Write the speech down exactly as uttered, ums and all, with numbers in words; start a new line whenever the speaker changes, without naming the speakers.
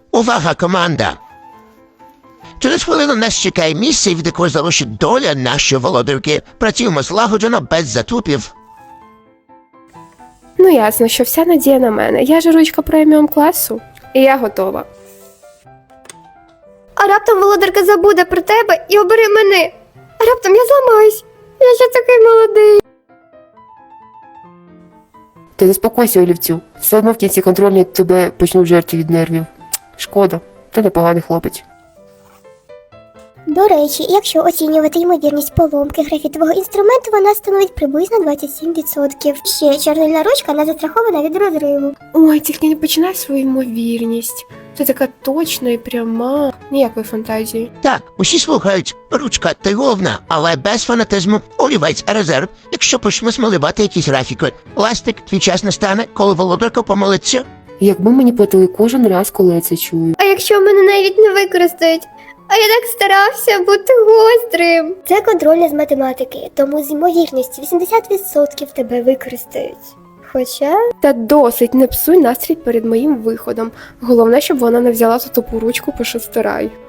Увага, команда! Через хвилину нас чекає місце, від якої залишить доля нашої володарки. Працюємо злагоджено, без затупів.
Ну ясно, що вся надія на мене. Я ж ручка преміум класу, і я готова.
А раптом володарка забуде про тебе і обере мене. А раптом я зламаюсь. Я ще такий молодий.
Ти заспокойся, олівцю. Все одно в кінці контрольні тебе почнуть жерти від нервів. Шкода, ти непоганий хлопець.
До речі, якщо оцінювати ймовірність поломки графітового інструменту, вона становить приблизно двадцять сім відсотків. Ще чорнильна ручка не застрахована від розриву.
Ой, тільки не починай свою ймовірність. Ти така точна і пряма. Ніякої фантазії.
Так, усі слухають. Ручка ти головна, але без фанатизму. Олівець, резерв. Якщо почнемо смалювати якісь графіки. Ластик, твій час настане, коли володарка помолиться.
Якби мені платили кожен раз, коли я це чую.
А якщо мене навіть не використають? А я так старався бути гострим.
Це контрольна з математики, тому з ймовірністю вісімдесят відсотків тебе використають.
Хоча...
Та досить, не псуй настрій перед моїм виходом. Головне, щоб вона не взяла за тупу ручку по шестирай.